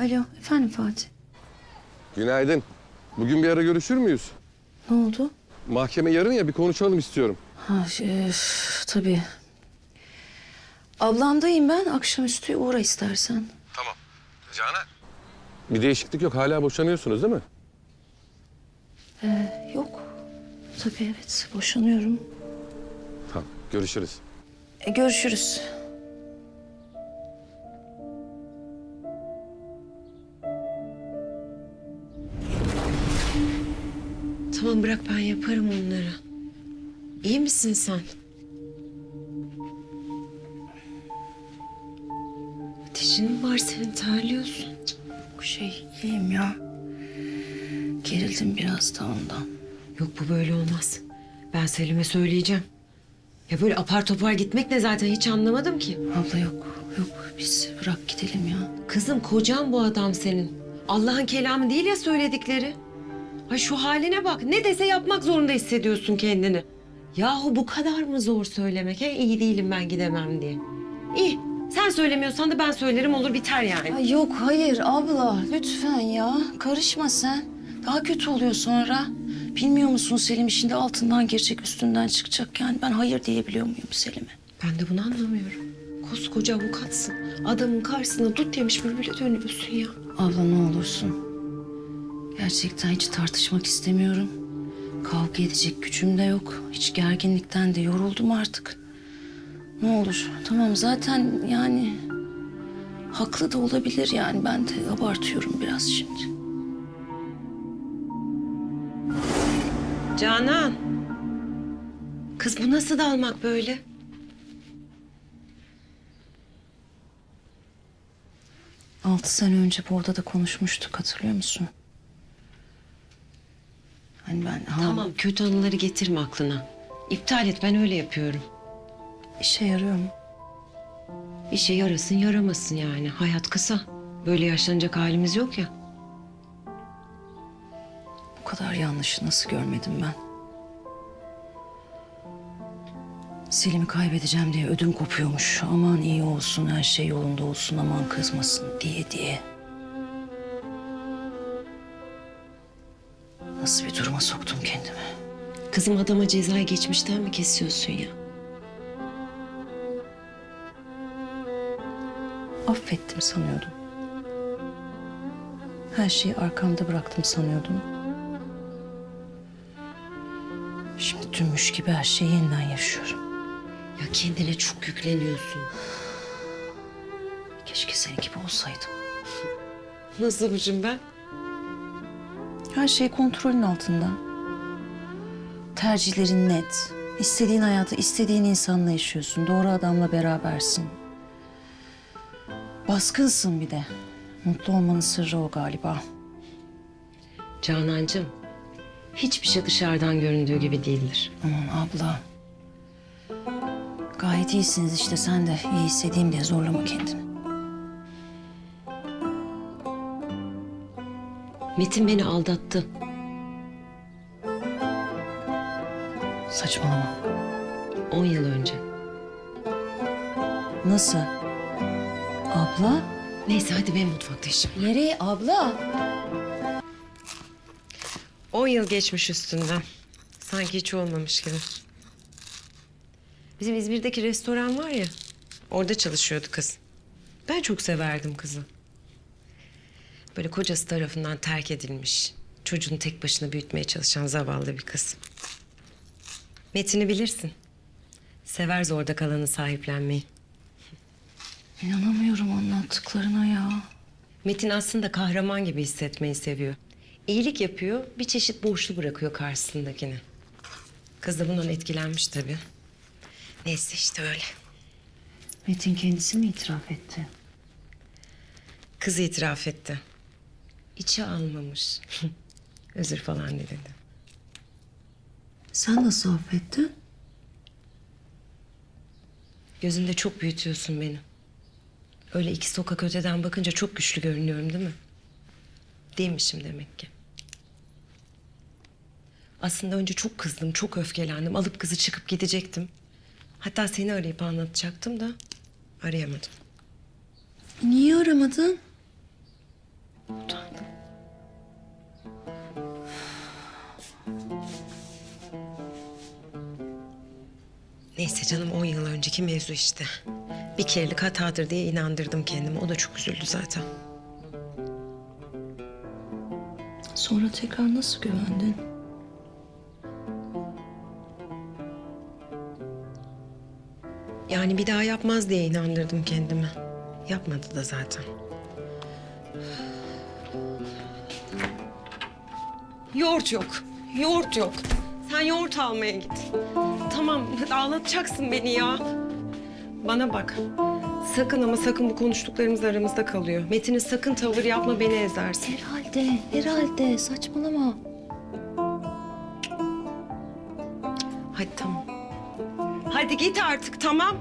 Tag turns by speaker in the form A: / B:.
A: Alo, efendim Fatih.
B: Günaydın. Bugün bir ara görüşür müyüz?
A: Ne oldu?
B: Mahkeme yarın ya, bir konuşalım istiyorum.
A: Tabii. Ablamdayım ben. Akşamüstü uğra istersen.
B: Tamam. Canan. Bir değişiklik yok. Hala boşanıyorsunuz değil mi?
A: Yok. Tabii evet, boşanıyorum.
B: Tamam. Görüşürüz.
A: Görüşürüz.
C: Tamam bırak, ben yaparım onları. İyi misin sen? Ateşin mi var senin, terliyorsun?
A: İyiyim ya. Gerildim biraz da ondan.
C: Yok, bu böyle olmaz. Ben Selim'e söyleyeceğim. Ya böyle apar topar gitmek ne zaten, hiç anlamadım ki.
A: Abla yok. Biz bırak gidelim ya.
C: Kızım, kocan bu adam senin. Allah'ın kelamı değil ya söyledikleri. Ay şu haline bak, ne dese yapmak zorunda hissediyorsun kendini. Yahu bu kadar mı zor söylemek? İyi değilim ben, gidemem diye. İyi, sen söylemiyorsan da ben söylerim, olur biter yani.
A: Ay yok hayır abla lütfen ya. Karışma sen. Daha kötü oluyor sonra. Bilmiyor musun Selim işinde altından girecek üstünden çıkacak. Yani ben hayır diyebiliyor muyum Selim'e?
C: Ben de bunu anlamıyorum. Koskoca avukatsın. Adamın karşısına dut yemiş bülbüle dönüyorsun ya.
A: Abla ne olursun. Gerçekten hiç tartışmak istemiyorum. Kavga edecek gücüm de yok. Hiç gerginlikten de yoruldum artık. Ne olur tamam zaten yani... Haklı da olabilir yani ben de abartıyorum biraz şimdi.
C: Canan. Kız bu nasıl dalmak böyle?
A: Altı sene önce bu odada konuşmuştuk hatırlıyor musun? Hani ben...
C: Tamam, kötü anıları getirme aklına. İptal et, ben öyle yapıyorum.
A: İşe yarıyor mu?
C: İşe yarasın yaramasın yani. Hayat kısa. Böyle yaşlanacak halimiz yok ya.
A: Bu kadar yanlışı nasıl görmedim ben? Selim'i kaybedeceğim diye ödüm kopuyormuş. Aman iyi olsun, her şey yolunda olsun, aman kızmasın diye. Nasıl bir duruma soktum kendimi?
C: Kızım, adama cezayı geçmişten mi kesiyorsun ya?
A: Affettim sanıyordum. Her şeyi arkamda bıraktım sanıyordum. Şimdi dünmüş gibi her şeyi yeniden yaşıyorum.
C: Ya kendine çok yükleniyorsun.
A: Keşke senin gibi olsaydım.
C: Nasılmışım ben?
A: Her şey kontrolün altında. Tercihlerin net. İstediğin hayatı istediğin insanla yaşıyorsun. Doğru adamla berabersin. Baskınsın bir de. Mutlu olmanın sırrı o galiba.
C: Canancığım, hiçbir şey dışarıdan göründüğü gibi değildir.
A: Aman abla. Gayet iyisiniz işte sen de iyi hissedeyim diye zorlama kendini.
C: Metin beni aldattı.
A: Saçmalama.
C: 10 yıl önce.
A: Nasıl? Abla?
C: Neyse hadi, benim mutfakta işim.
A: Nereye abla?
C: 10 yıl geçmiş üstünden. Sanki hiç olmamış gibi. Bizim İzmir'deki restoran var ya, orada çalışıyordu kız. Ben çok severdim kızı. Böyle kocası tarafından terk edilmiş, çocuğunu tek başına büyütmeye çalışan zavallı bir kız. Metin'i bilirsin. Sever zorda kalanı sahiplenmeyi.
A: İnanamıyorum anlattıklarına ya.
C: Metin aslında kahraman gibi hissetmeyi seviyor. İyilik yapıyor, bir çeşit borçlu bırakıyor karşısındakini. Kız da bundan etkilenmiş tabii. Neyse işte öyle.
A: Metin kendisi mi itiraf etti?
C: Kız itiraf etti. İçi almamış. Özür falan dedi.
A: Sen nasıl affettin?
C: Gözünde çok büyütüyorsun beni. Öyle 2 sokak öteden bakınca çok güçlü görünüyorum değil mi? Değilmişim demek ki. Aslında önce çok kızdım, çok öfkelendim. Alıp kızı çıkıp gidecektim. Hatta seni arayıp anlatacaktım da arayamadım.
A: Niye aramadın? Utandım.
C: Neyse canım 10 yıl önceki mevzu işte. Bir kerelik hatadır diye inandırdım kendimi. O da çok üzüldü zaten.
A: Sonra tekrar nasıl güvendin?
C: Yani bir daha yapmaz diye inandırdım kendimi. Yapmadı da zaten. Yoğurt yok. Yoğurt yok. Sen yoğurt almaya git. Tamam, ağlatacaksın beni ya. Bana bak. Sakın ama sakın bu konuştuklarımız aramızda kalıyor. Metin'e sakın tavır yapma, beni ezersin.
A: Herhalde. Saçmalama.
C: Hadi tamam. Hadi git artık, tamam.